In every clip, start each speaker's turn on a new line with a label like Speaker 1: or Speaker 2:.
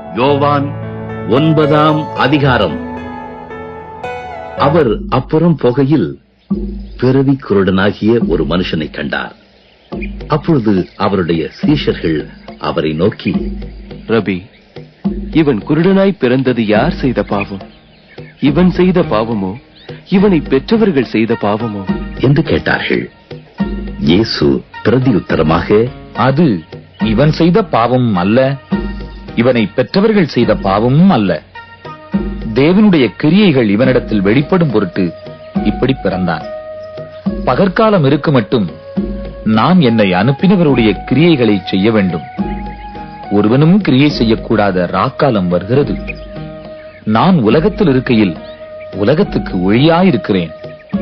Speaker 1: யோவான் 9ஆம் அதிகாரம். அவர் அப்புறம் போகையில் பிறவி குருடனாகிய ஒரு மனுஷனை கண்டார். அப்பொழுது அவருடைய சீஷர்கள் அவரை நோக்கி,
Speaker 2: ரபி, இவன் குருடனாய் பிறந்தது யார் செய்த பாவம்? இவன் செய்த பாவமோ, இவனை பெற்றவர்கள் செய்த பாவமோ
Speaker 1: என்று கேட்டார்கள். இயேசு பிரதியுத்தரமாக,
Speaker 3: அது இவன் செய்த பாவமும் அல்ல, இவனை பெற்றவர்கள் செய்த பாவமும் அல்ல. தேவனுடைய கிரியைகள் இவனிடத்தில் வெளிப்படும் பொருட்டு இப்படி பிறந்தான். பகற்காலம் இருக்கு மட்டும் நான் என்னை அனுப்பினவருடைய கிரியைகளை செய்ய வேண்டும். ஒருவனும் கிரியை செய்யக்கூடாத ராக்காலம் வருகிறது. நான் உலகத்தில் இருக்கையில் உலகத்துக்கு ஒளியாயிருக்கிறேன்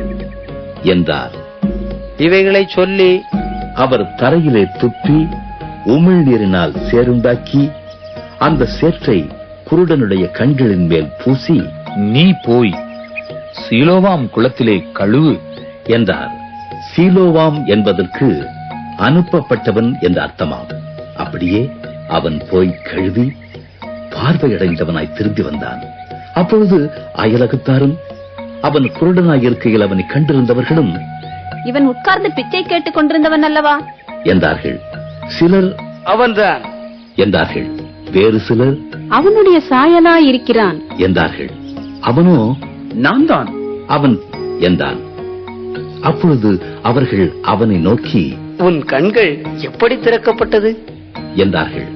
Speaker 1: என்றார்.
Speaker 4: இவைகளை சொல்லி
Speaker 1: அவர் தரையிலே துப்பி உமிழ்நீரினால் சேருண்டாக்கி அந்த சேற்றை குருடனுடைய கண்களின் மேல் பூசி,
Speaker 3: நீ போய் சீலோவாம் குளத்திலே கழுவு
Speaker 1: என்றார். சீலோவாம் என்பதற்கு அனுப்பப்பட்டவன் என்ற அர்த்தமாம். அப்படியே அவன் போய் கழுவி பார்வையடைந்தவனாய் திரும்பி வந்தான். அப்பொழுது அயலகத்தாரும் அவன் குருடனாய் இருக்கையில் அவனை கண்டிருந்தவர்களும்,
Speaker 5: இவன் உட்கார்ந்து பிச்சை கேட்டுக் கொண்டிருந்தவன் அல்லவா
Speaker 1: என்றார்கள். சிலர்
Speaker 4: அவன்தான்
Speaker 1: என்றார்கள். வேறு சிலர்
Speaker 5: அவனுடைய சாயலாய் இருக்கிறான்
Speaker 1: என்றார்கள். அவனோ
Speaker 4: நான் தான்
Speaker 1: அவன் என்றான். அப்பொழுது அவர்கள் அவனை நோக்கி,
Speaker 4: உன் கண்கள் எப்படி திறக்கப்பட்டது
Speaker 1: என்றார்கள்.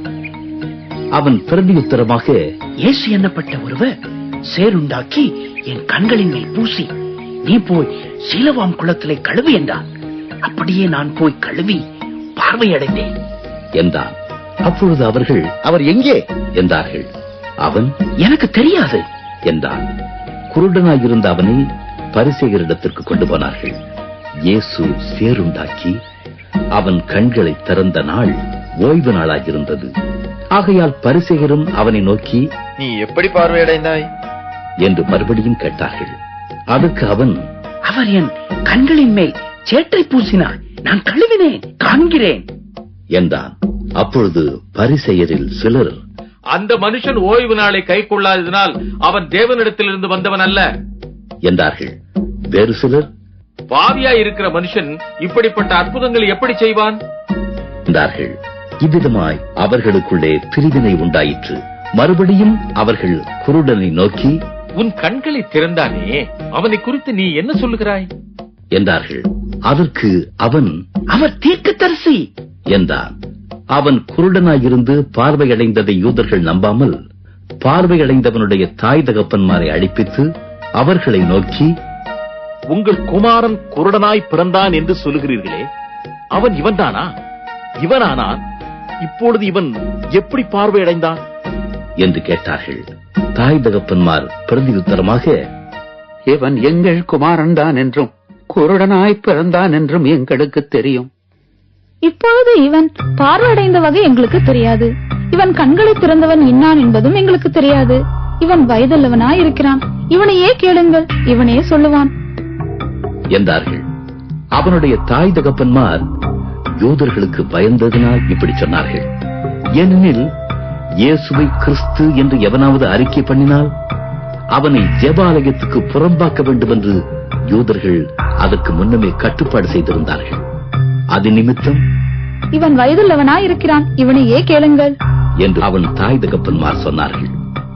Speaker 1: அவன் பிரதியுத்தரமாக,
Speaker 4: இயேசு என்னப்பட்ட ஒருவர் சேருண்டாக்கி என் கண்களின் மேல் பூசி, நீ போய் சீலவாம் குளத்திலே கழுவி என்றான். அப்படியே நான் போய் கழுவி பார்வையடைந்தேன்
Speaker 1: என்றான். அப்பொழுது அவர்கள்,
Speaker 3: அவர் எங்கே
Speaker 1: என்றார்கள். அவன்,
Speaker 4: எனக்கு தெரியாது
Speaker 1: என்றான். குருடனாயிருந்த அவனை பரிசேயரிடத்திற்கு கொண்டு போனார்கள். இயேசு சேருண்டாக்கி அவன் கண்களை திறந்த நாள் ஓய்வு நாளாயிருந்தது. ஆகையால் பரிசேயரும் அவனை நோக்கி,
Speaker 2: நீ எப்படி பார்வையடைந்தாய்
Speaker 1: என்று மறுபடியும் கேட்டார்கள். அதற்கு அவன்,
Speaker 4: அவர் என் கண்களின் மேல் சேற்றை பூசினார், நான் கழுவினேன், காண்கிறேன்
Speaker 1: என்றான். அப்பொழுது பரிசேயரில் சிலர்,
Speaker 6: அந்த மனுஷன் ஓய்வு நாளை கை கொள்ளாததினால் அவன் தேவனிடத்திலிருந்து வந்தவன் அல்ல
Speaker 1: என்றார்கள். வேறு சிலர்,
Speaker 6: பாவியாய் இருக்கிற மனுஷன் இப்படிப்பட்ட அற்புதங்களை எப்படி செய்வான்
Speaker 1: என்றார்கள். இவ்விதமாய் அவர்களுக்குள்ளே பிரிவினை உண்டாயிற்று. மறுபடியும் அவர்கள் குருடனை நோக்கி,
Speaker 6: உன் கண்களை திறந்தானே, அவனை குறித்து நீ என்ன சொல்லுகிறாய்
Speaker 1: என்றார்கள். அதற்கு அவன்,
Speaker 4: அவர் தீர்க்கதரிசி
Speaker 1: என்றான். அவன் குருடனாயிருந்து பார்வையடைந்ததை யூதர்கள் நம்பாமல் பார்வையடைந்தவனுடைய தாய் தகப்பன்மாரை அழைப்பித்து அவர்களை நோக்கி,
Speaker 6: உங்கள் குமாரன் குருடனாய் பிறந்தான் என்று சொல்லுகிறீர்களே, அவன் இவன்தானா? இவனானான் இப்பொழுது இவன் எப்படி பார்வையடைந்தான்
Speaker 1: என்று கேட்டார்கள். தாய் தகப்பன்மார் பிரதியுத்தரமாக,
Speaker 4: இவன் எங்கள் குமாரன் தான் என்றும் குருடனாய் பிறந்தான் என்றும் எங்களுக்கு தெரியும்.
Speaker 5: இப்பொழுது இவன் பார்வையடைந்த வகை எங்களுக்கு தெரியாது. இவன் கண்களை திறந்தவன் இன்னான் என்பதும் எங்களுக்கு தெரியாது. இவன் வயதுள்ளவனாய் இருக்கிறான், இவனையே கேளுங்கள், இவனே சொல்லுவான்
Speaker 1: என்றார்கள். அவனுடைய தாய் தகப்பன்மார் யூதர்களுக்கு பயந்ததினால் இப்படி சொன்னார்கள். ஏனெனில் இயேசுவை கிறிஸ்து என்று எவனாவது அறிக்கை பண்ணினால் அவனை ஜெபாலயத்துக்கு புறம்பாக்க வேண்டும் என்று யூதர்கள் அதற்கு முன்னமே கட்டுப்பாடு செய்திருந்தார்கள். அது நிமித்தம்,
Speaker 5: இவன் வயதுள்ளவனாய் இருக்கிறான், இவனையே கேளுங்கள்
Speaker 1: என்று அவன் தாய் தகப்பன்மார் சொன்னார்கள்.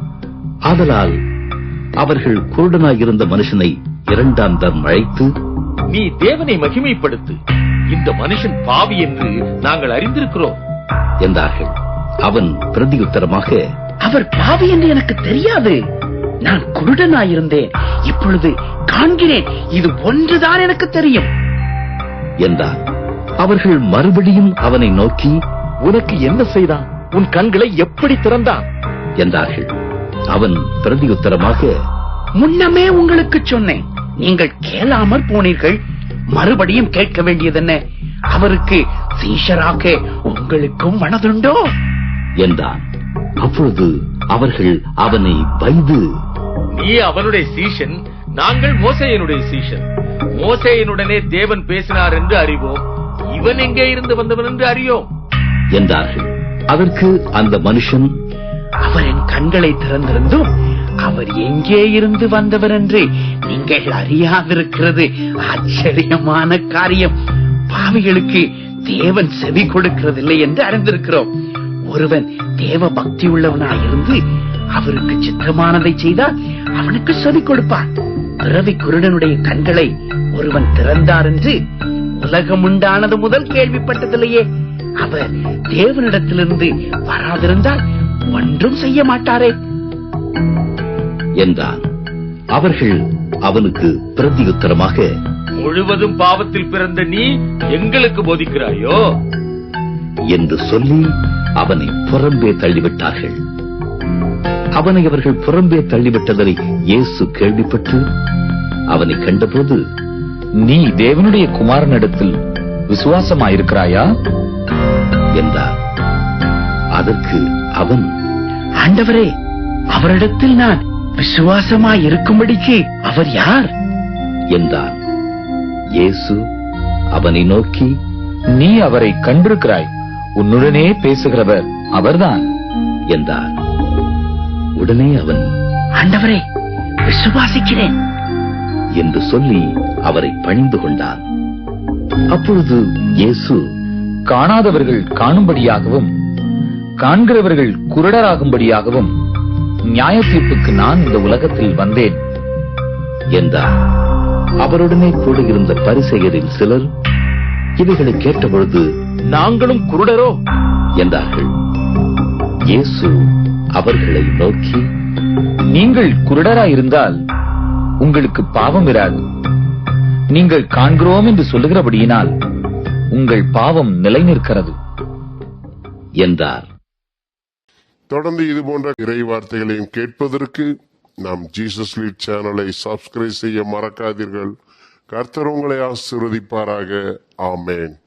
Speaker 1: ஆதலால் அவர்கள் குருடனாயிருந்த மனுஷனை இரண்டாம் தரம் அழைத்து,
Speaker 6: நீ தேவனை மகிமைப்படுத்து, இந்த மனுஷன் பாவி என்று நாங்கள் அறிந்திருக்கிறோம்
Speaker 1: என்றார்கள். அவன் பிரதியுத்தரமாக,
Speaker 4: அவர் பாவி என்று எனக்கு தெரியாது, நான் குருடனாயிருந்தேன், இப்பொழுது காண்கிறேன், இது ஒன்றுதான் எனக்கு தெரியும்
Speaker 1: என்றான். அவர்கள் மறுபடியும் அவனை நோக்கி,
Speaker 6: உனக்கு என்ன செய்தான்? உன் கண்களை எப்படி திறந்தான்
Speaker 1: என்றார்கள். அவன் பிரதியுத்தரமாக,
Speaker 4: முன்னமே உங்களுக்கு சொன்னேன், நீங்கள் கேளாமற் போனீர்கள், மறுபடியும் கேட்க வேண்டியதென்ன? அவருக்கு சீஷராக உங்களுக்கும் மனதுண்டோ
Speaker 1: என்றான். அப்பொழுது அவர்கள் அவனை வைது,
Speaker 6: நீ அவனுடைய சீஷன், நாங்கள் மோசேயனுடைய சீஷன். மோசேயனுடனே தேவன் பேசினார் என்று அறிவோம், இவன் எங்கே இருந்து வந்தவன் என்று அறியோம்
Speaker 1: என்றார்கள். அதற்கு அந்த மனுஷன்,
Speaker 4: அவர் என் கண்களை திறந்திருந்தும் அவர் எங்கே இருந்து வந்தவர் என்று நீங்கள் அறியாதிருக்கிறது ஆச்சரியமான காரியம். பாவிகளுக்கு தேவன் செவி கொடுக்கிறதில்லை என்று அறிந்திருக்கிறோம். ஒருவன் தேவ பக்தி உள்ளவனாயிருந்து அவருக்கு சித்தமானதை செய்தால் அவனுக்கு செவி கொடுப்பான். பிறவி குருடனுடைய கண்களை ஒருவன் திறந்தார் என்று உலகம் உண்டானது முதல் கேள்விப்பட்டதில்லையே. அவர் தேவனிடத்திலிருந்து வராதிருந்தால் ஒன்றும் செய்ய மாட்டாரே
Speaker 1: என்றான். அவர்கள் அவனுக்கு பிரதியுத்தரமாக,
Speaker 6: முழுவதும் பாவத்தில் பிறந்த நீ எங்களுக்கு போதிக்கிறாயோ
Speaker 1: என்று சொல்லி அவனை புறம்பே தள்ளிவிட்டார்கள். அவனை அவர்கள் புறம்பே தள்ளிவிட்டதை இயேசு கேள்விப்பட்டு அவனை கண்டபோது,
Speaker 3: நீ தேவனுடைய குமாரனிடத்தில் விசுவாசமாயிருக்கிறாயா
Speaker 1: என்றார். அதற்கு அவன்,
Speaker 4: ஆண்டவரே, அவரிடத்தில் நான் விசுவாசமாய் இருக்கும்படிக்கு அவர் யார்
Speaker 1: என்றான். இயேசு அவனை நோக்கி,
Speaker 3: நீ அவரை கண்டிருக்கிறாய், உன்னுடனே பேசுகிறவர் அவர்தான்
Speaker 1: என்றார். உடனே அவன்,
Speaker 4: ஆண்டவரே, விசுவாசிக்கிறேன்
Speaker 1: என்று சொல்லி அவரை பணிந்து கொண்டான். அப்பொழுது இயேசு,
Speaker 3: காணாதவர்கள் காணும்படியாகவும் காண்கிறவர்கள் குருடராகும்படியாகவும் நியாய தீர்ப்புக்கு நான் இந்த உலகத்தில் வந்தேன்
Speaker 1: என்றார். அவருடனே கூட இருந்த பரிசேயரில் சிலர் இவைகளை கேட்டபொழுது,
Speaker 6: நாங்களும் குருடரோ
Speaker 1: என்றார்கள். இயேசு அவர்களை நோக்கி,
Speaker 3: நீங்கள் குருடராயிருந்தால் உங்களுக்கு பாவம் இராது. நீங்கள் காண்கிறோம் என்று சொல்லுகிறபடியினால் உங்கள் பாவம் நிலை நிற்கிறது
Speaker 1: என்றார்.
Speaker 7: தொடர்ந்து இது போன்ற இறை வார்த்தைகளையும் கேட்பதற்கு நாம் ஜீசஸ் லீட் சேனலை சப்ஸ்கிரைப் செய்ய மறக்காதீர்கள். கர்த்தர் உங்களை ஆசீர்வதிப்பாராக. ஆமென்.